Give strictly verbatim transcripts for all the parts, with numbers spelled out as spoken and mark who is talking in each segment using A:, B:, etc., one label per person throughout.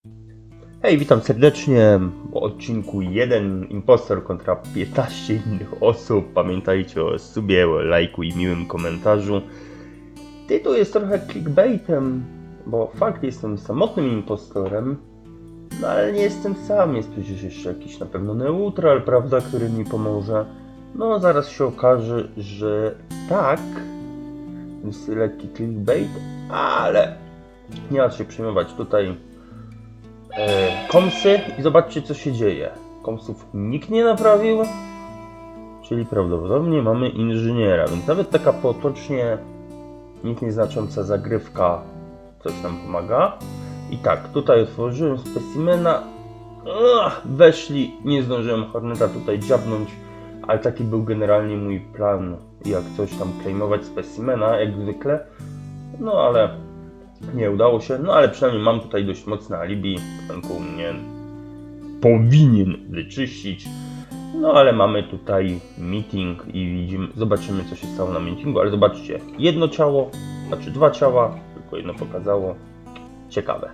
A: Hej, witam serdecznie w odcinku jeden impostor kontra piętnaście innych osób. Pamiętajcie o subie, o lajku i miłym komentarzu. Tytuł jest trochę clickbaitem, bo fakt jestem samotnym impostorem, no ale nie jestem sam, jest przecież jeszcze jakiś na pewno neutral, prawda, który mi pomoże. No zaraz się okaże, że tak, jest lekki clickbait, ale nie ma się przejmować tutaj. E, komsy i zobaczcie, co się dzieje. Komsów nikt nie naprawił, czyli prawdopodobnie mamy inżyniera, więc nawet taka potocznie nic nieznacząca zagrywka coś nam pomaga. I tak, tutaj otworzyłem specimena. Ugh, weszli, nie zdążyłem Horneta tutaj dziabnąć, ale taki był generalnie mój plan, jak coś tam claimować specimena, jak zwykle. No ale nie udało się, no ale przynajmniej mam tutaj dość mocne alibi, Wenku mnie powinien wyczyścić. No ale mamy tutaj meeting i widzimy, zobaczymy, co się stało na meetingu, ale zobaczcie, jedno ciało, znaczy dwa ciała, tylko jedno pokazało. Ciekawe.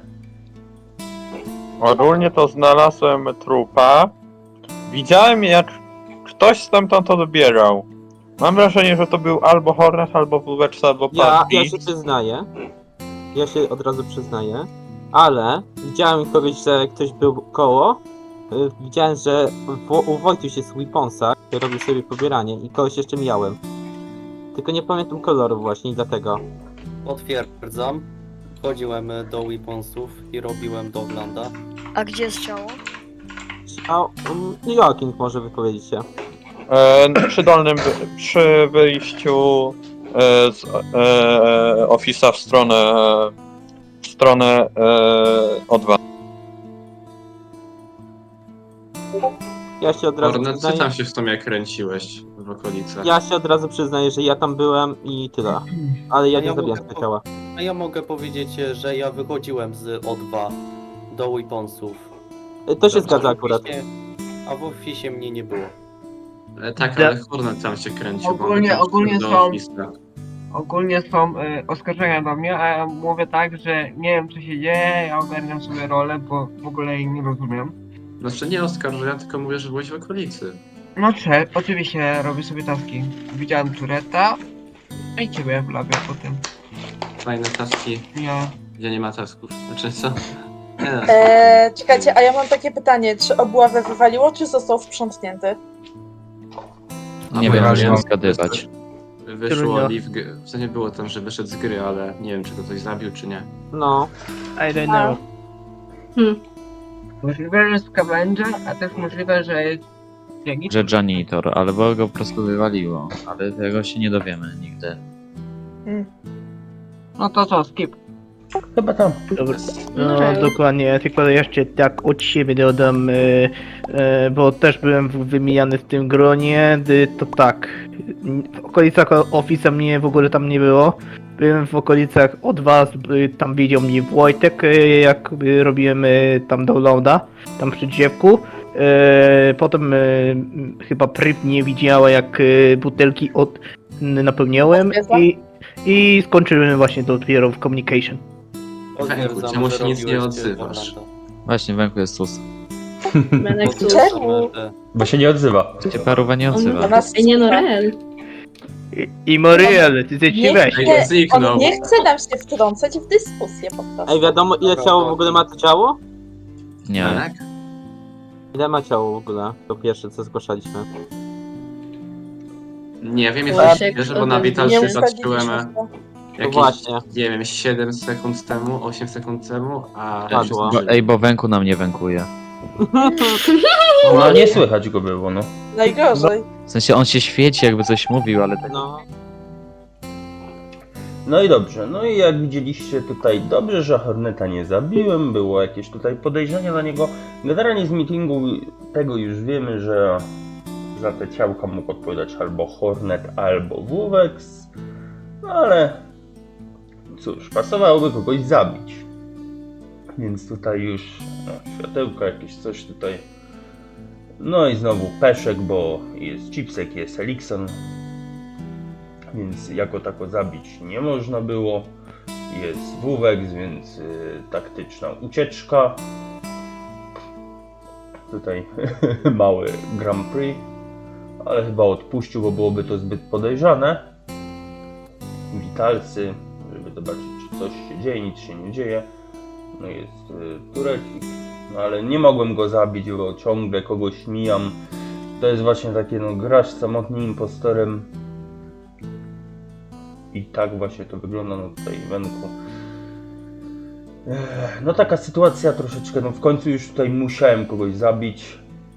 B: Ogólnie to znalazłem trupa. Widziałem, jak ktoś stamtąd odbierał. Mam wrażenie, że to był albo Hornet, albo Wóweczka, albo
C: Ja,
B: Party.
C: ja się przyznaję. Ja się od razu przyznaję. Ale widziałem kogoś, że ktoś był koło. Y, Widziałem, że w, u Wojtuś jest Weaponsa, który robił sobie pobieranie i kogoś jeszcze miałem. Tylko nie pamiętam koloru właśnie i dlatego.
D: Potwierdzam. Chodziłem do Weaponsów i robiłem do Ogląda.
E: A gdzie jest ciało?
C: A um, Joakim może wypowiedzieć się.
B: E, przy dolnym, wy- przy wyjściu e, z e, Office'a w stronę w stronę e, O dwa.
C: Ja się od razu
F: Hornet, ty
C: przyznaję.
F: tam się w sumie kręciłeś w okolicach.
C: Ja się od razu przyznaję, że ja tam byłem i tyle. Ale ja
D: A
C: nie
D: ja
C: zabiłem
D: mogę
C: tego ciała.
D: A ja mogę powiedzieć, że ja wychodziłem z O dwa do Weaponsów.
C: Y, To się
F: Dobrze,
C: zgadza
D: A w
C: akurat.
D: oficie- A w Officie mnie nie było.
F: E, tak,
G: Ja-
F: ale Hornet tam się kręcił. bo on
G: Ogólnie-
F: tam
G: ogólnie
F: do
G: są-
F: Office'a.
G: Ogólnie są y, oskarżenia do mnie, a ja mówię tak, że nie wiem co się dzieje, ja ogarniam sobie rolę, bo w ogóle jej nie rozumiem.
F: Znaczy nie oskarżę, tylko mówię, że byłeś w okolicy.
G: No cze, oczywiście robię sobie taski. Widziałem Tureta i ciebie w labie potem.
F: Fajne taski,
G: Ja...
F: gdzie nie ma tasków. Znaczy co? Nie, no,
H: Eee, czekajcie, a ja mam takie pytanie, czy obławę wywaliło, czy został sprzątnięty?
F: A
I: Nie
F: bo
I: wiem,
F: ja
I: muszę
F: wiem,
I: zgadywać.
F: Wyszło
G: Trudno.
F: Liv, w sensie było tam, że wyszedł z gry, ale nie wiem, czy go ktoś zabił, czy nie.
C: No.
G: I don't
H: know.
G: Możliwe, że jest scavenger, a też możliwe, że jest... Jaki?
I: Że janitor, albo go po prostu wywaliło, ale tego się nie dowiemy nigdy.
G: No to co, skip.
A: Chyba tam.
J: Dobra, no dokładnie, tylko jeszcze tak od siebie dodam, e, e, bo też byłem w- wymieniany w tym gronie, y, to tak, w okolicach Office'a mnie w ogóle tam nie było, byłem w okolicach od was, y, tam widział mnie Wojtek, y, jak y, robiłem y, tam downloada, tam przy drzewku, e, potem y, chyba Pryp nie widziała, jak y, butelki od, napełniałem i, i skończyłem właśnie dopiero w communication.
D: Potwierdzam,
F: czemu
D: że
F: się nic nie
D: robiłeś
F: odzywasz?
D: Ogląda.
I: Właśnie, Węku jest sus.
D: Potwierdzam,
H: Czemu?
D: że-
A: Bo się nie odzywa.
I: Się paruwa nie
H: Do
I: odzywa.
H: nas
E: Ej, nie no, Rel.
J: I, i Moriel, ty ty ci
H: Nie,
J: weź.
F: Ej,
H: nie,
F: zniknął.
H: on nie chce nam się wtrącać w dyskusję po prostu.
C: Ej, wiadomo ile
D: Dobra,
C: ciało w
D: to-
C: ogóle ma to ciało?
I: Nie.
F: Tak?
C: Ile ma ciało w ogóle? To pierwsze co zgłaszaliśmy.
F: Nie wiem,
E: Właśnie,
F: jest wiesz, bo na Vital
H: Nie
F: się
H: ustaliliśmy
F: patrzyłem
H: się.
F: jakieś,
C: właśnie.
F: nie wiem, siedem sekund temu, osiem sekund temu, a...
C: Padło.
I: Bo, ej, bo Węku na mnie wękuje.
A: No nie słychać go było, no.
H: Najgorzej.
I: W sensie on się świeci, jakby coś mówił, ale tak...
C: No.
A: No i dobrze, no i jak widzieliście tutaj, dobrze, że Horneta nie zabiłem, było jakieś tutaj podejrzenie na niego. Generalnie z meetingu tego już wiemy, że za te ciałka mógł odpowiadać albo Hornet, albo Wuwex, no ale cóż, pasowałoby kogoś zabić. Więc tutaj już no, światełko jakieś, coś tutaj. No i znowu Peszek, bo jest Chipsek, jest Elikson. Więc jako tako zabić nie można było. jest Wuwex, więc y, taktyczna ucieczka. Tutaj mały Grand Prix, ale chyba odpuścił, bo byłoby to zbyt podejrzane. Witalcy, żeby zobaczyć, czy coś się dzieje, nic się nie dzieje. No jest y, turecik, no ale nie mogłem go zabić, bo ciągle kogoś mijam. To jest właśnie takie, no grasz samotnym impostorem. I tak właśnie to wygląda, no tutaj Wenku. Ech, no taka sytuacja troszeczkę, no w końcu już tutaj musiałem kogoś zabić.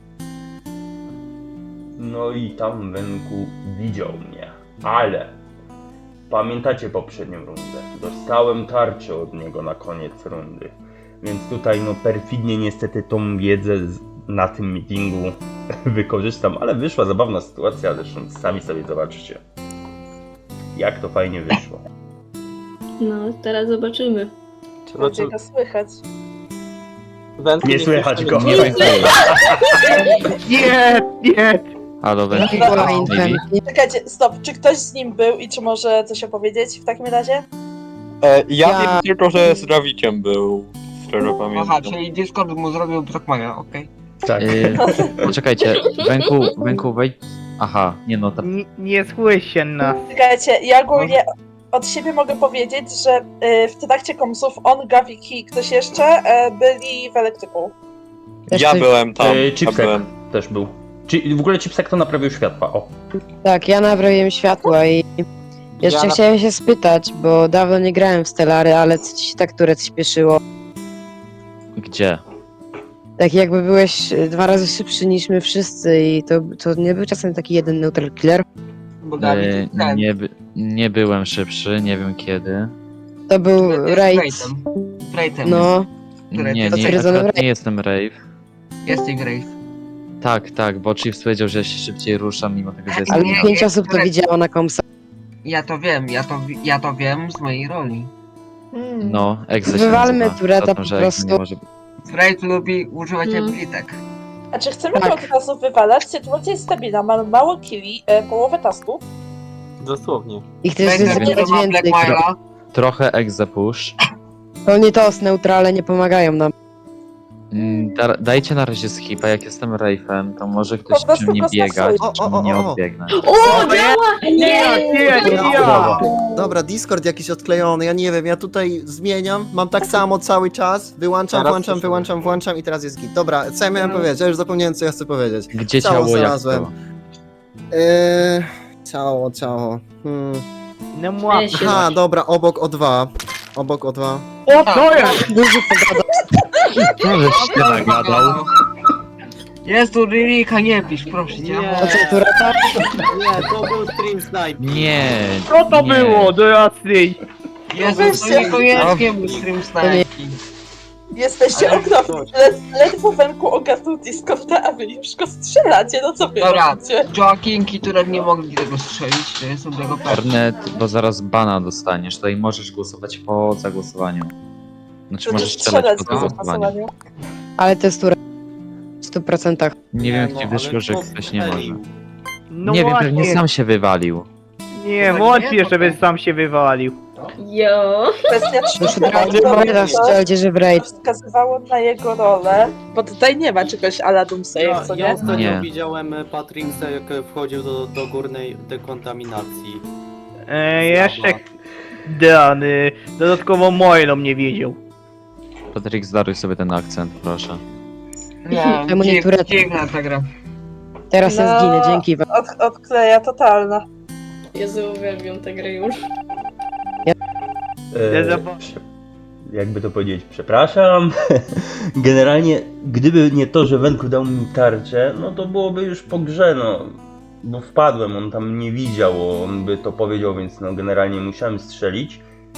A: No i tam Wenku widział mnie, ale pamiętacie poprzednią rundę? Dostałem tarczę od niego na koniec rundy. Więc tutaj no perfidnie niestety tą wiedzę z, na tym meetingu wykorzystam, ale wyszła zabawna sytuacja, zresztą sami sobie zobaczcie. Jak to fajnie wyszło.
E: No, teraz zobaczymy.
H: Będzie go słychać.
C: Wenku,
A: Nie słychać go.
C: Nie,
J: Nie, nie!
I: Halo, Wenku.
H: Czekajcie, stop. Czy ktoś z nim był i czy może coś opowiedzieć w takim razie?
B: E, ja, wiem tylko, że z Rawiciem był, szczerze
G: Aha,
B: pamiętam.
G: czyli Discord mu zrobił Brockmana, okej.
A: Tak.
I: Yy, poczekajcie, Wenku, Wenku, wejdź. Aha, nie no, ta...
J: Nie, nie słyszę nas.
H: Czekajcie, ja ogólnie od siebie mogę powiedzieć, że y, w trakcie komsów on, Gawik i ktoś jeszcze y, byli w elektryku.
B: Ja byłem tam,
A: Yy,
B: ja
A: Chipsek
B: byłem.
A: też był. Czy, w ogóle Chipsek to naprawił światła, o.
K: Tak, ja naprawiłem światła i jeszcze
C: Ja na-
K: chciałem się spytać, bo dawno nie grałem w Stellary, ale co ci się tak turec śpieszyło?
I: Gdzie?
K: Tak jakby byłeś e, dwa razy szybszy niż my wszyscy i to, to nie był czasem taki jeden neutral killer?
G: Bo Dawid
I: Yy,
G: jest ten.
I: nie, by, nie byłem szybszy, nie wiem kiedy.
K: To był
G: jest
K: raid.
G: Wraithem. Wraithem
K: No,
G: Które
I: Nie,
G: to
I: nie,
K: stwierdzone
I: akurat
K: w
I: nie jestem Rave.
G: jest. Jest i Wraith.
I: Tak, tak, bo Chiefs powiedział, że ja się szybciej ruszam, mimo tego, że jestem
K: ale
G: Nie,
K: pięć
G: nie,
K: osób to
G: turec.
K: widziało na komsa.
G: Ja to wiem, ja to, wi- ja to wiem z mojej roli.
H: Hmm.
I: No, Exe się
K: Wywalmy
I: nazywa.
K: Tureta
I: Za to,
K: po
I: że Exe
K: prostu.
I: nie może być.
G: Wraith lubi używać
E: Mm.
G: abilitek.
H: A czy chcemy
K: Tak.
H: go od razu wywalać? Sytuacja jest stabilna, mamy mało killi, y, połowę tasków.
C: Dosłownie.
K: Ich też
G: Wraith
K: jest
G: który ma
K: więcej.
G: Blackmaila.
I: Trochę Exe push.
K: To nie to, neutrale nie pomagają nam.
I: Mm, da, dajcie na razie skipa, jak jestem Rave'em, to może ktoś
H: Po prostu
I: przy mnie
H: go
I: biegać,
H: stosuje.
I: czemu nie odbiegnę.
E: O, działa!
J: Nie, nie, nie, ja!
L: Dobra, Discord jakiś odklejony, ja nie wiem, ja tutaj zmieniam, mam tak samo cały czas, wyłączam,
C: Teraz
L: włączam,
C: słyszę.
L: wyłączam, włączam i teraz jest git. Dobra, co ja miałem powiedzieć? Ja już zapomniałem, co ja chcę powiedzieć.
I: Gdzie
L: Ciało
I: ciało, jak
L: znalazłem.
I: to?
L: Eee, ciało, ciało. Hmm.
J: No młap.
E: Się
L: Aha, dobra, obok O dwa. Obok O dwa.
J: O, to jest!
K: Dużo pogadał.
I: No, żeś się nagadał.
G: Jest tu Lirika, nie pisz, proszę cię.
D: Nie.
K: To co, Tureta?
D: Nie, to był stream snipe.
I: Nie.
J: Co to
I: nie.
J: było? Do jasnej.
G: Jezus, to niekoniecznie był stream snajki.
H: Jesteście
G: Ale
H: okropni. Led, ledwo Wenku ogarnął Discorda, a wy już go strzelacie, no co wy
G: Dobra,
H: robicie?
G: Joaquinki, które nie mogli tego strzelić, to jest dobrego pewne.
I: Ornet, bo zaraz bana dostaniesz, tutaj możesz głosować po zagłosowaniu. Znaczy
H: To
I: możesz
H: też
I: strzelać po
H: po
I: zagłosowaniu.
H: głosowaniu.
K: Ale to jest Tureta. W stu procentach.
I: Nie wiem,
D: No,
I: jak ci
D: ale
I: wyszło, że
D: to
I: ktoś nie
D: strzelił.
I: może.
J: No
I: Nie wiem,
J: właśnie.
I: pewnie sam się wywalił.
J: Nie,
G: Tak
J: wątpię,
G: nie?
J: żeby sam się wywalił.
E: Jo.
H: Kwestia
K: Już
H: trzecia,
K: od razu powiadasz, strzelcie, że w raid.
H: wskazywało na jego rolę, bo tutaj nie ma czegoś ala Doomsayer, co
D: Ja, ja
H: nie?
D: ostatnio
I: Nie.
D: widziałem e, Patrixa, jak e, wchodził do, do górnej dekontaminacji.
J: E, jeszcze dany. Dodatkowo Moilo mnie wiedział.
I: Patryk, zdaruj sobie ten akcent, proszę.
G: Nie,
K: Czemu nie
G: dziw-
K: Tureta?
G: dziwna ta gra.
K: Teraz ja
H: No.
K: zginę, dzięki wam.
H: Od, odkleja totalna.
E: Jezu, uwielbiam tę grę już.
A: E,
J: zaba-
A: prze- jakby to powiedzieć, przepraszam. Generalnie, gdyby nie to, że Wenku dał mi tarczę, no to byłoby już po grze, no. Bo wpadłem, on tam nie widział, on by to powiedział, więc no generalnie musiałem strzelić.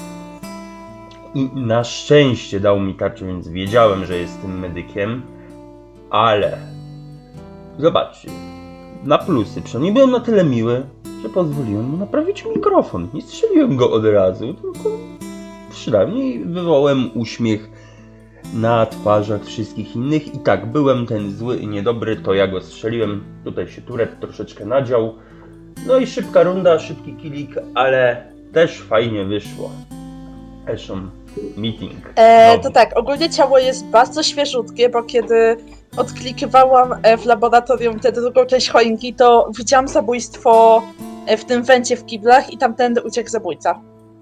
A: I na szczęście dał mi tarczę, więc wiedziałem, że jest tym medykiem. Ale zobaczcie, na plusy, przynajmniej byłem na tyle miły, że pozwoliłem mu naprawić mikrofon. Nie strzeliłem go od razu, tylko przynajmniej wywołałem uśmiech na twarzach wszystkich innych. I tak, byłem ten zły i niedobry, to ja go strzeliłem. Tutaj się Turet troszeczkę nadział. No i szybka runda, szybki killik, ale też fajnie wyszło. Eshon Meeting.
H: E,
A: No.
H: to tak, ogólnie ciało jest bardzo świeżutkie, bo kiedy odklikiwałam e, w laboratorium tę drugą część choinki, to widziałam zabójstwo e, w tym węcie w kiblach i tamtędy uciekł zabójca.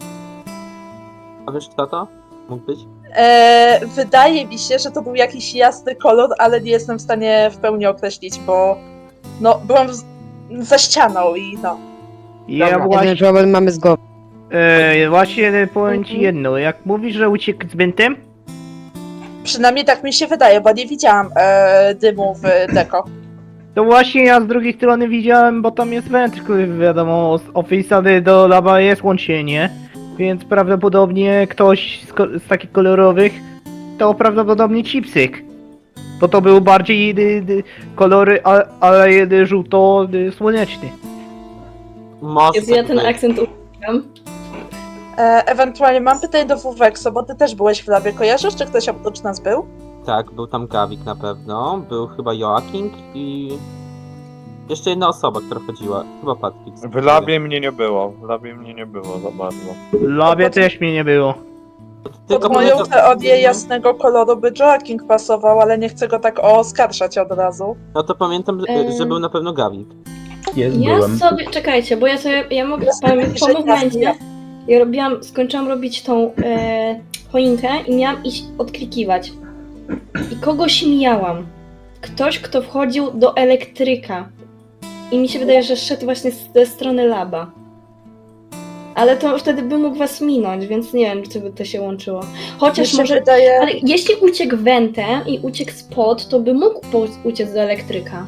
C: A wiesz kto to mógł być?
H: E, wydaje mi się, że to był jakiś jasny kolor, ale nie jestem w stanie w pełni określić, bo no, byłam z, za ścianą i no.
J: Ja
C: Dobra.
J: właśnie,
K: Jeden problem mamy z głową.
J: e, właśnie powiem ci
E: Mhm.
J: jedno, jak mówisz, że uciekł z Bentem,
H: Przynajmniej tak mi się wydaje, bo nie widziałam e, dymu w deko.
J: to właśnie ja z drugiej strony widziałem, bo tam jest węd, który wiadomo, z Office'a do laba jest łączenie, więc prawdopodobnie ktoś z, ko- z takich kolorowych to prawdopodobnie chipsyk. Bo to był bardziej dy, dy, kolory, a, ale jedy żółto dy, słoneczny.
C: Może
E: Jezu, ja
C: tak
E: ten
C: być.
E: akcent uwielbiam.
H: E, ewentualnie mam pytanie do Wuwekso, bo ty też byłeś w labie, kojarzysz, czy ktoś oprócz nas był?
C: Tak, był tam Gawik na pewno, był chyba Joaking i... Jeszcze jedna osoba, która chodziła, chyba Patryk.
B: W labie mnie nie było, w labie mnie nie było za bardzo.
J: W labie też mnie nie było.
H: Pod moją
C: pamiętam-
H: teorię jasnego koloru by Joaking pasował, ale nie chcę go tak oskarżać od razu.
C: No to pamiętam, że-
E: Em.
C: że był na pewno Gawik.
A: Jest,
E: Ja
A: byłem.
E: sobie, czekajcie, bo ja sobie, ja mogę
H: Jest
E: powiem,
H: taki,
E: po
H: że
E: momencie,
H: ja-
E: ja robiłam, skończyłam robić tą e, choinkę i miałam iść odklikiwać. I kogoś mijałam. Ktoś, kto wchodził do elektryka. I mi się wydaje, że szedł właśnie ze strony laba. Ale to wtedy by mógł was minąć, więc nie wiem, czy by to się łączyło.
H: Mi
E: Chociaż
H: się
E: może...
H: wydaje,
E: Ale jeśli uciekł wentem i uciekł spod, to by mógł po- uciec do elektryka.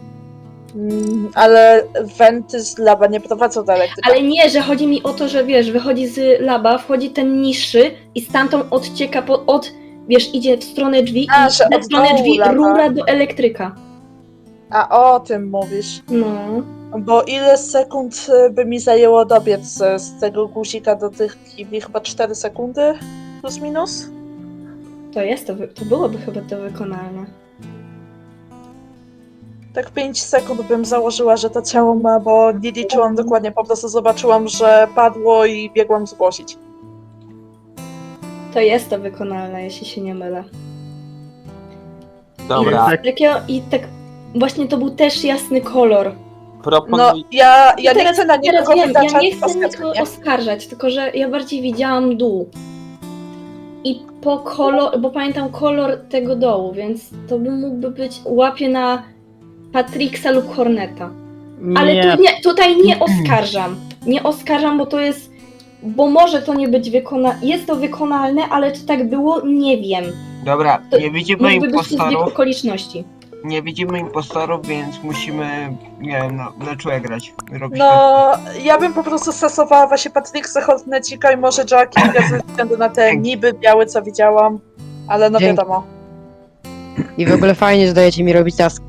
H: mm, ale wenty z laba nie prowadzą do elektryka.
E: Ale nie, że chodzi mi o to, że wiesz, wychodzi z laba, wchodzi ten niższy i stamtąd odcieka po, od, wiesz, idzie w stronę drzwi
H: A,
E: i
H: że
E: w
H: od
E: stronę
H: dołu
E: drzwi
H: laba.
E: rura do elektryka.
H: A o tym mówisz.
E: No.
H: Bo ile sekund y, by mi zajęło dobiec z, z tego guzika do tych kibli? Chyba cztery sekundy? Plus minus?
E: To jest, to, wy- to byłoby chyba to wykonalne.
H: Tak pięć sekund bym założyła, że to ciało ma, bo nie liczyłam dokładnie, po prostu zobaczyłam, że padło i biegłam zgłosić.
E: To jest to wykonalne, jeśli się nie mylę.
C: Dobra,
J: Tak.
E: Takiego, I tak właśnie to był też jasny kolor.
H: No,
C: proponuj...
H: ja, ja nie
E: teraz,
H: chcę na
E: teraz
H: nikogo
E: wiem, ja
H: wytaczać
E: nie chcę nikogo
H: oskarżenia.
E: oskarżać, tylko że ja bardziej widziałam dół. I po kolor, bo pamiętam kolor tego dołu, więc to by mógłby być łapie na Patrixa lub Horneta. Ale
J: Nie,
E: tu nie, tutaj nie oskarżam. Nie oskarżam, bo to jest. Bo może to nie być wykonalne. Jest to wykonalne, ale czy tak było, nie wiem.
G: Dobra,
E: To
G: nie widzimy
E: Mógłby być to zbieg
G: impostorów,
E: okoliczności.
G: nie widzimy impostorów, więc musimy, nie wiem, na, na czułe grać. Robić tak.
H: No, ja bym po prostu stosowała właśnie Patricksa, Hortnecika i może Joakinga ze względu na te niby białe, co widziałam. Ale no
K: Dzięki.
H: wiadomo.
K: I w ogóle fajnie, że dajecie mi robić task.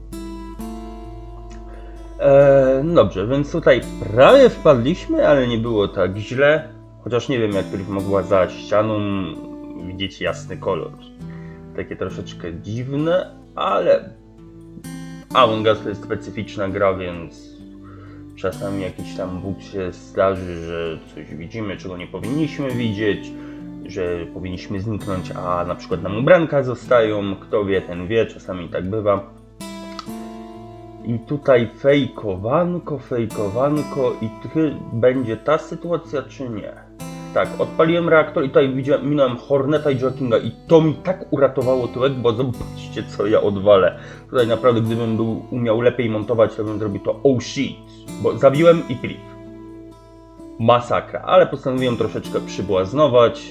A: E, dobrze, więc tutaj prawie wpadliśmy, ale nie było tak źle. Chociaż nie wiem, jak Priv mogła za ścianą widzieć jasny kolor. Takie troszeczkę dziwne, ale Among Us to jest specyficzna gra, więc czasami jakiś tam bóg się zdarzy, że coś widzimy, czego nie powinniśmy widzieć, że powinniśmy zniknąć, a na przykład nam ubranka zostają. Kto wie, ten wie, czasami tak bywa. I tutaj fejkowanko, fejkowanko i ty będzie ta sytuacja, czy nie? Tak, odpaliłem reaktor i tutaj widziałem, minąłem Horneta i Joakinga i to mi tak uratowało tyłek, bo zobaczcie, co ja odwalę. Tutaj naprawdę, gdybym był, umiał lepiej montować, to bym zrobił to oh shit, bo zabiłem i Priv. Masakra, ale postanowiłem troszeczkę przybłaznować.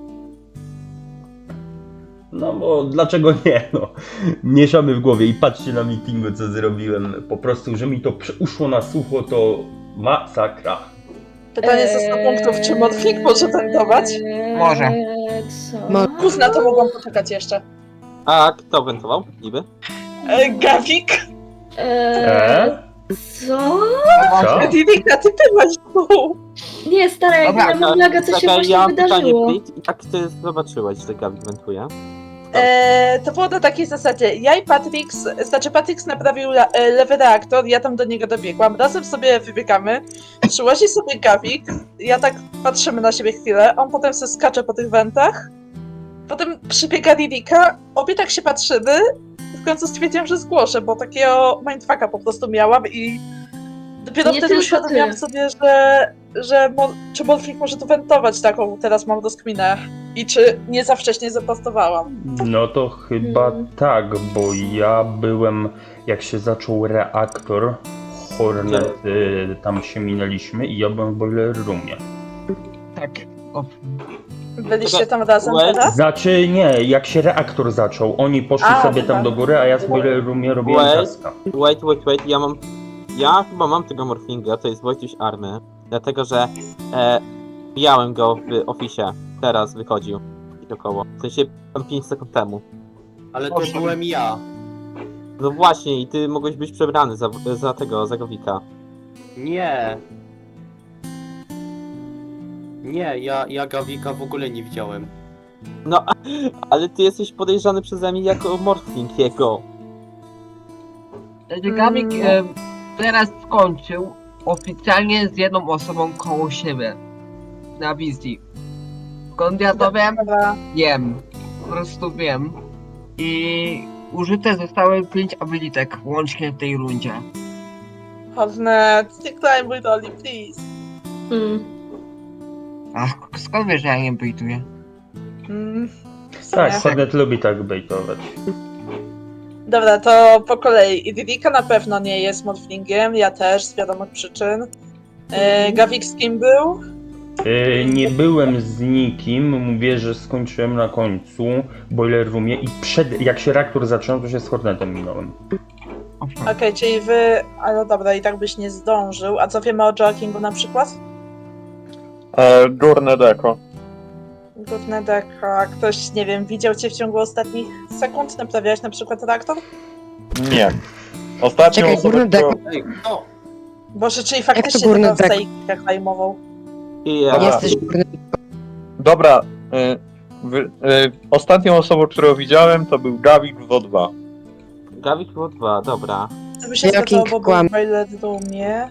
A: No bo dlaczego nie, no. Mieszamy w głowie i patrzcie na meetingu, co zrobiłem. Po prostu, że mi to przy- uszło na sucho, to masakra.
H: Pytanie ze sto punktów, czy Modfik może wentować?
G: Może.
E: Eee, Co?
K: Mo-
H: Gówna, to mogłam poczekać jeszcze.
C: A kto wentował? Niby?
H: E, Gawik?
E: Eee, co?
A: Co?
H: Divika, ty byłaś tu.
E: Nie, stara, jak
G: Dobra,
E: ja mam laga, co się
C: Czekaj,
E: właśnie
C: ja mam pytanie,
E: wydarzyło.
C: Brit. Jak ty zobaczyłaś, że Gawik wentuje?
H: E, to było na takiej zasadzie. Ja i Patrix, znaczy Patrix naprawił la, e, lewy reaktor, ja tam do niego dobiegłam. Razem sobie wybiegamy, przyłazi sobie Gawik, ja tak patrzymy na siebie chwilę, on potem se skacze po tych wentach, potem przybiega Ririka, obie tak się patrzymy, w końcu stwierdziłam, że zgłoszę, bo takiego mindfucka po prostu miałam i dopiero
E: Nie
H: wtedy
E: tylko
H: uświadomiłam
E: ty.
H: sobie, że, że mo, czy Morfling może tu wentować taką, teraz mam rozkminę. I czy nie za wcześnie zapostowałam.
A: No to chyba
E: Hmm.
A: tak, bo ja byłem, jak się zaczął reaktor, Hornet, y, tam się minęliśmy i ja byłem w boiler roomie.
G: Tak. O,
H: Byliście tam razem
C: Well,
H: teraz?
A: Znaczy nie, jak się reaktor zaczął, oni poszli
H: A,
A: sobie
H: dobra.
A: tam do góry, a ja w boiler roomie robiłem
C: Well.
A: taska.
C: Wait, wait, wait, ja mam... Ja chyba mam tego Morflinga, to jest Wojtuś Army, dlatego że e, mijałem go w oficie, teraz wychodził gdzieś około, w sensie tam pięć sekund temu.
D: Ale to
G: Proszę.
D: byłem ja.
C: No właśnie, i ty mogłeś być przebrany za, za tego, za Gowika.
D: Nie. Nie, ja, ja Gawika w ogóle nie widziałem.
C: No, ale ty jesteś podejrzany przeze mnie jako Morfling jego.
G: Gawik e, teraz skończył oficjalnie z jedną osobą koło siebie. Na wizji. Skąd ja to wiem?
H: Dobra.
G: Wiem. Po prostu wiem. I użyte zostały pięć abilitek łącznie w tej rundzie.
H: Hornet, nie climb with Oli, please.
E: Mm.
G: Ach, skąd wiesz, że ja nie bejtuję?
H: Mm, w
A: Tak,
H: sumie.
A: Hornet lubi tak bejtować.
H: Dobra, to po kolei. Ririka na pewno nie jest Morflingiem, ja też, z wiadomych przyczyn. E, Gawik z kim był?
A: Y, nie byłem z nikim, mówię, że skończyłem na końcu w boiler roomie i przed, jak się reaktor zaczął, to się z Hornetem minąłem.
G: Owszem.
H: Okej, czyli wy... Ale dobra, i tak byś nie zdążył. A co wiemy o Joakingu na przykład?
B: E, Górne deko.
H: Gówne deka. Ktoś, nie wiem, widział cię w ciągu ostatnich sekund? Naprawiałeś na przykład reaktor?
B: Nie. Ostatnią
K: Czekaj,
B: osobę,
K: górny
B: którą...
D: Ej, no!
H: Boże, czyli faktycznie
K: to górny
H: tego
K: dek?
H: stejka klejmował.
C: I ja...
B: Dobra.
K: Jesteś górny.
B: Dobra. Y, wy, y, ostatnią osobą, którą widziałem, to był Gawik w O dwa.
C: Gawik było dwa, dobra.
H: To by się
K: Joaking
H: zgadzało, bo był
K: kłam.
H: w Violet Roomie.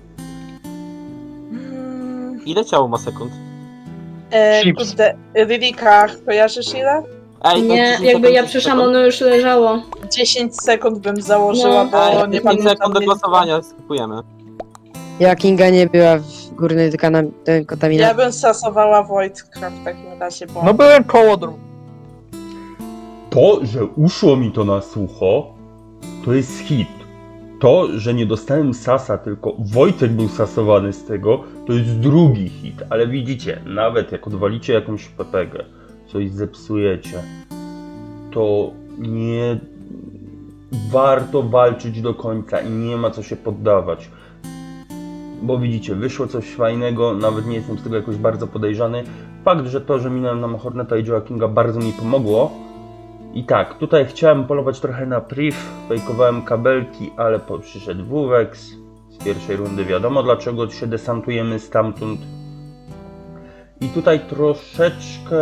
H: Hmm,
C: Ile ciało ma sekund?
H: e,
B: Chips.
H: kurde, Ririka, kojarzysz ile?
C: Ej, to
E: Nie,
C: dziesięć
E: jakby
C: sekund,
E: ja
C: dziesięć
E: przyszłam,
C: sekund.
E: ono już leżało.
H: dziesięć sekund bym założyła,
E: No.
H: bo
C: Ej,
H: nie
C: dziesięć
H: pamiętam.
C: sekund do
H: nie-
C: głosowania, skipujemy.
K: Ja Kinga nie była w górnej dekana-
H: Ja
K: kontaminacji.
H: bym stosowała Wojtka w takim razie, bo...
B: No byłem koło dru...
A: To, że uszło mi to na sucho, to jest hit. To, że nie dostałem sasa, tylko Wojtek był sasowany z tego, to jest drugi hit. Ale widzicie, nawet jak odwalicie jakąś pepegę, coś zepsujecie, to nie warto walczyć do końca i nie ma co się poddawać. Bo widzicie, wyszło coś fajnego, nawet nie jestem z tego jakoś bardzo podejrzany. Fakt, że to, że minąłem na Horneta i Joakinga bardzo mi pomogło. I tak, tutaj chciałem polować trochę na priv, fejkowałem kabelki, ale po, przyszedł Wuwex. Z pierwszej rundy wiadomo dlaczego się desantujemy stamtąd. I tutaj troszeczkę,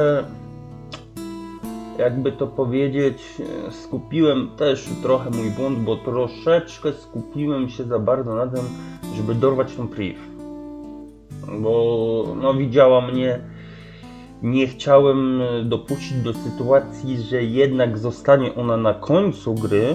A: jakby to powiedzieć, skupiłem też trochę mój błąd, bo troszeczkę skupiłem się za bardzo na tym, żeby dorwać tą priv. Bo no widziała mnie. Nie chciałem dopuścić do sytuacji, że jednak zostanie ona na końcu gry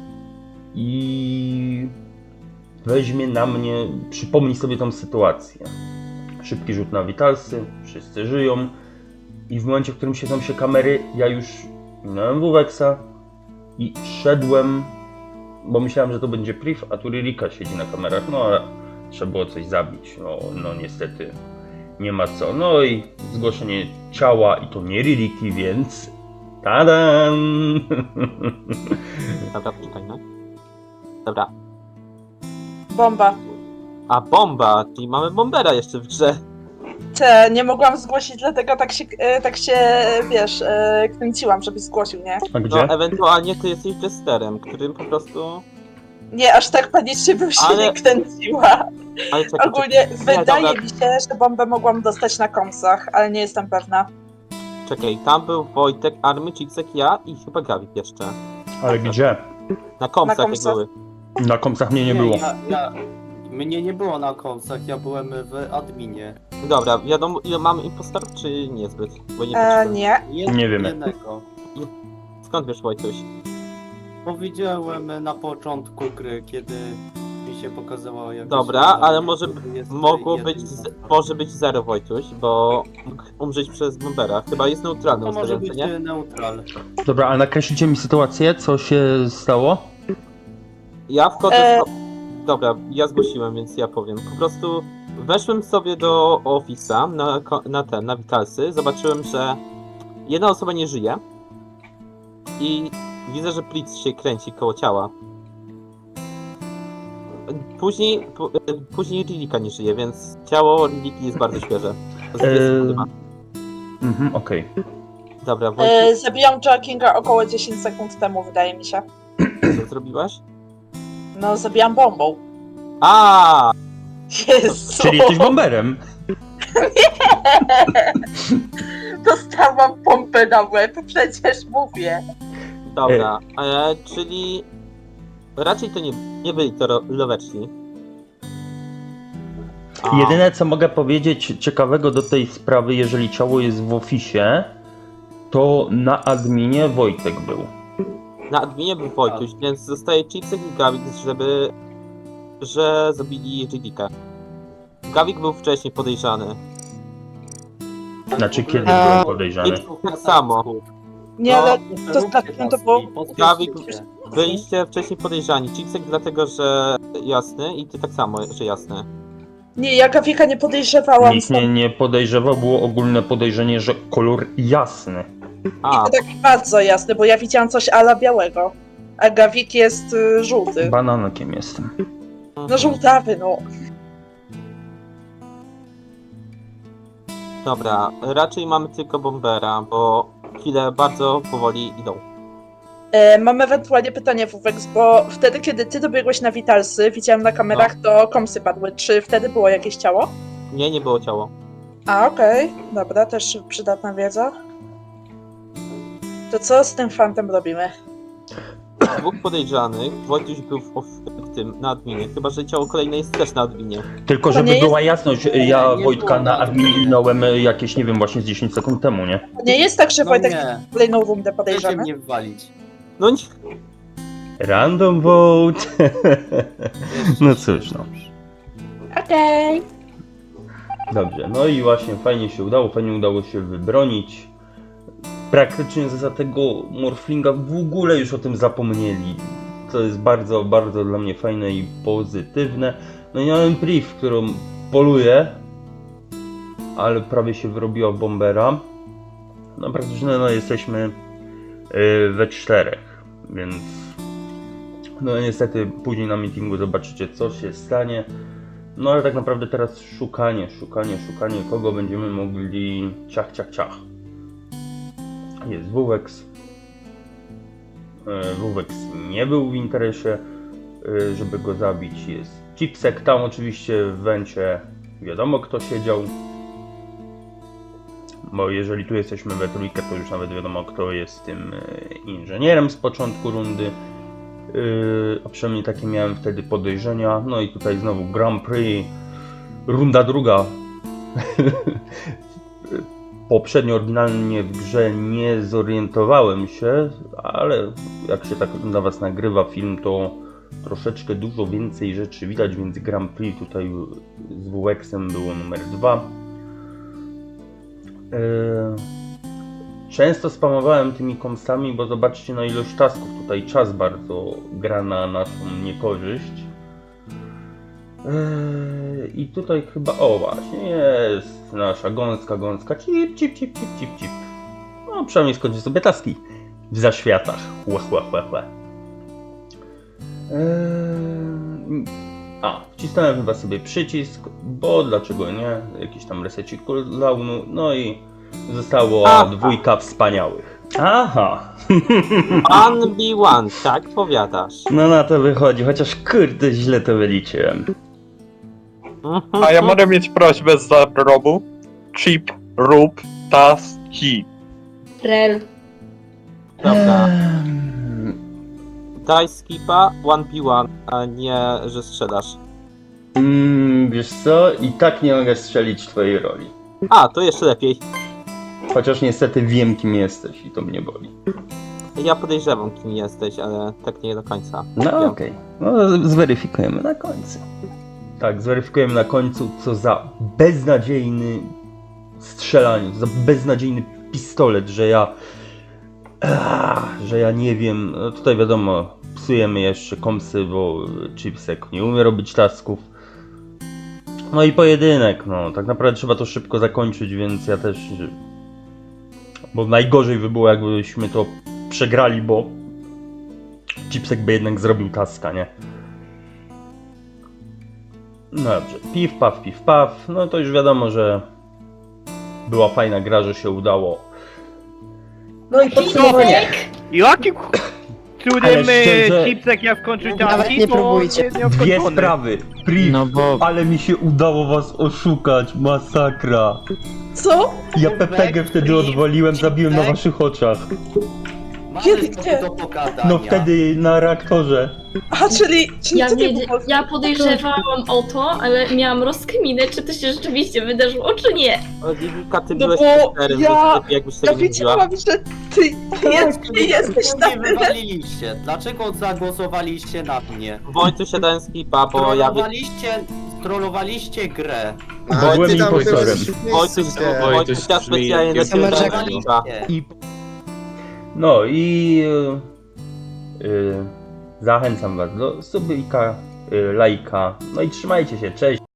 A: i weźmie na mnie, przypomni sobie tą sytuację. Szybki rzut na witalsy, wszyscy żyją i w momencie, w którym siedzą się kamery, ja już minąłem Wuwexa i szedłem, bo myślałem, że to będzie priv, a tu Ririka siedzi na kamerach, no ale trzeba było coś zabić, no, no niestety. Nie ma co. No i zgłoszenie ciała i to nie Ririki, więc tadam!
C: Dobra, poczekaj, no. Dobra.
H: Bomba.
C: A bomba, czyli mamy bombera jeszcze w grze.
H: Te, nie mogłam zgłosić, dlatego tak się, e, tak się wiesz, e, kręciłam, żebyś zgłosił, nie?
A: A
C: No,
A: gdzie?
C: ewentualnie ty jesteś jesterem, którym po prostu...
H: Nie, aż tak panicznie bym się
C: Ale-
H: nie kręciła.
C: Ale czekaj,
H: Ogólnie
C: czekaj.
H: wydaje
C: dobra.
H: mi się, że bombę mogłam dostać na komsach, ale nie jestem pewna.
C: czekaj, tam był Wojtek, Army, Chipsek, ja i chyba Gawik jeszcze.
A: Ale gdzie?
C: Na komsach
H: Na
C: jak
H: komsach.
C: były.
A: Na komsach mnie nie było.
D: Ja, ja, mnie nie było na komsach, ja byłem w adminie.
C: Dobra, wiadomo ile mamy impostorów, czy niezbyt? Bo nie
H: E,
C: patrzyłem.
H: nie.
D: Jed,
A: Nie wiemy.
D: Jednego.
C: Skąd wiesz, Wojtuś?
D: Powiedziałem na początku gry, kiedy mi się pokazało jak...
C: Dobra, ale może mogło być, z, może być zero Wojtuś, bo mógł umrzeć przez bombera. Chyba jest neutralny
D: To może
C: ustawiający,
D: być
C: nie?
D: neutral.
A: Dobra, a nakreślicie mi sytuację, co się stało?
C: Ja wchodzę...
H: E.
C: Dobra, ja zgłosiłem, więc ja powiem. Po prostu weszłem sobie do Office'a na, ko- na ten, na Vitalsy, zobaczyłem, że jedna osoba nie żyje i widzę, że Blitz się kręci koło ciała. Później, p- później Rilika nie żyje, więc ciało Riliki jest bardzo świeże. Z dwie
A: Eee,
C: sekundy ma.
A: Mhm, okej.
C: Dobra, Wojtek,
H: E, zabijam Jackinga około dziesięć sekund temu, wydaje mi się.
C: co zrobiłaś?
H: No, zabijam bombą.
C: A,
H: Jezu!
A: Czyli jesteś bomberem.
H: Dostałam pompę na łeb, przecież mówię.
C: dobra, e, czyli raczej to nie, nie byli to ro- loweczni. A,
A: Jedyne co mogę powiedzieć ciekawego do tej sprawy, jeżeli ciało jest w oficie, to na adminie Wojtek był.
C: Na adminie był Wojtuś, więc zostaje Chipsek i Gawik, żeby... że zabili Rilika. Gawik był wcześniej podejrzany.
A: Znaczy kiedy
K: Eee,
A: byłem podejrzany?
C: Tak samo.
H: Nie,
C: No,
H: ale to znaczy, to było...
C: Gawik, byliście wcześniej podejrzani. Chipsek dlatego, że jasny i ty tak samo, że jasny.
H: Nie, ja Gawika nie podejrzewałam.
A: Nikt mnie nie podejrzewał, było ogólne podejrzenie, że kolor jasny.
C: A,
H: To tak bardzo jasne, bo ja widziałam coś ala białego. A Gawik jest y, żółty.
A: Bananakiem jestem.
H: No żółtawy, no.
C: dobra, raczej mamy tylko bombera, bo chwile bardzo powoli idą.
H: E, mam ewentualnie pytanie, Wówek, bo wtedy, kiedy ty dobiegłeś na Vitalsy, widziałem na kamerach, to komsy padły. Czy wtedy było jakieś ciało?
C: Nie, nie było ciało.
H: A, okej. Dobra, też przydatna wiedza. To co z tym fantem robimy?
C: Dwóch podejrzanych, Wojtuś był w, w tym, na adminie, chyba że ciało kolejne jest też na adminie.
A: Tylko
H: To
A: żeby
H: nie jest-
A: była jasność, ja
D: nie
A: Wojtka
D: było
A: na
D: na
A: adminie
D: adminie.
A: minąłem jakieś, nie wiem, właśnie z dziesięć sekund temu, nie?
H: To nie jest tak, że
D: No
H: Wojtek
D: nie,
H: kolejną rundę
D: chcecie
H: podejrzany?
D: mnie walić.
C: No nie,
A: Random vote. No cóż, no.
H: Okej.
A: Dobrze, no i właśnie fajnie się udało, fajnie udało się wybronić. Praktycznie za tego Morflinga w ogóle już o tym zapomnieli. To jest bardzo, bardzo dla mnie fajne i pozytywne. No i miałem priv, którą poluję, ale prawie się wyrobiła bombera. No praktycznie no, jesteśmy yy, we czterech, więc no niestety później na meetingu zobaczycie co się stanie. No ale tak naprawdę teraz szukanie, szukanie, szukanie kogo będziemy mogli ciach, ciach, ciach. Jest Wuwex. E, Wuwex nie był w interesie, e, żeby go zabić. Jest Chipsek, tam oczywiście w wencie wiadomo kto siedział. Bo jeżeli tu jesteśmy we trójkę, to już nawet wiadomo kto jest tym e, inżynierem z początku rundy. Yy, a przynajmniej takie miałem wtedy podejrzenia. No i tutaj znowu Grand Prix, runda druga. Poprzednio oryginalnie w grze nie zorientowałem się, ale jak się tak dla was nagrywa film, to troszeczkę dużo więcej rzeczy widać, więc Grand Prix tutaj z Wuwexem było numer dwa. Yy... Często spamowałem tymi komsami, bo zobaczcie na ilość tasków. Tutaj czas bardzo gra na naszą niekorzyść. Eee, I tutaj chyba, o właśnie, jest nasza gąska, gąska, cip, cip, cip, cip, cip, cip. No przynajmniej skończę sobie taski w zaświatach. Łe, łe, łe, łe. Eee, a, wcisnąłem chyba sobie przycisk, bo dlaczego nie? Jakiś tam resecik cooldownu, no i zostało
C: Aha.
A: dwójka wspaniałych. Aha!
C: one be one, tak powiadasz.
A: No na to wychodzi, chociaż kurde źle to wyliczyłem.
C: Mhm.
B: A ja mogę mieć prośbę z zarobu? Chip, rób, taski.
E: Rel.
C: Dobra,
A: Ehm,
C: daj skipa one v one, a nie, że strzelasz.
A: Mm, wiesz co? I tak nie mogę strzelić twojej roli.
C: A, to jeszcze lepiej.
A: Chociaż niestety wiem, kim jesteś i to mnie boli.
C: Ja podejrzewam, kim jesteś, ale tak nie do końca.
A: No
C: Wiem.
A: okej, no zweryfikujemy na końcu. Tak, zweryfikujemy na końcu, co za beznadziejny strzelanie, za beznadziejny pistolet, że ja... Ach, że ja nie wiem, no tutaj wiadomo, psujemy jeszcze komsy, bo Chipsek nie umie robić tasków. No i pojedynek, no tak naprawdę trzeba to szybko zakończyć, więc ja też... Bo najgorzej by było, jakbyśmy to przegrali, bo Chipsek by jednak zrobił taska, nie? No dobrze, piw, paw, piw, paw. No to już wiadomo, że była fajna gra, że się udało. No i podsumowanie.
J: Jakim ch-
A: Ale
J: cudem
A: szczerze-
J: e, Chipsek ja skończył
K: Nawet
J: taski,
K: nie
J: to
K: próbujcie.
J: nie
A: Dwie
J: nieskończone.
A: sprawy. Priv,
I: No bo
A: ale mi się udało was oszukać, masakra.
H: Co?
A: Ja P P G wtedy odwaliłem, zabiłem na waszych oczach.
H: Kiedy,
D: Mamy
H: gdzie?
D: do pogadania.
A: No wtedy na reaktorze.
H: Aha, czyli, czyli
E: Ja,
H: to nie
E: wiedzie-
H: było...
E: ja podejrzewałam o to, ale miałam rozkminę, czy to się rzeczywiście wydarzyło, czy nie.
C: Oliwika, ty
H: No
C: byłeś
H: bo
C: liderem,
H: ja-
C: więc lepiej jakbyś tego
H: Ja
C: nie mówiła.
H: wiedziałam, że ty, ty, jest, ty jesteś na
D: Czemu mnie
H: tyle...
D: wywaliliście? Dlaczego zagłosowaliście na mnie?
C: Wojtuś, ja dałem skipa, bo ja... wy-
D: Trollowaliście, trollowaliście grę.
A: Bo byłem impostorem.
C: Wojtuś, Wojtuś, ja specjalnie dla ciebie dałem
H: Summerjacki.
C: skipa.
A: I... No i... Yy, yy, zachęcam was do subika, yy, lajka. No i trzymajcie się, cześć.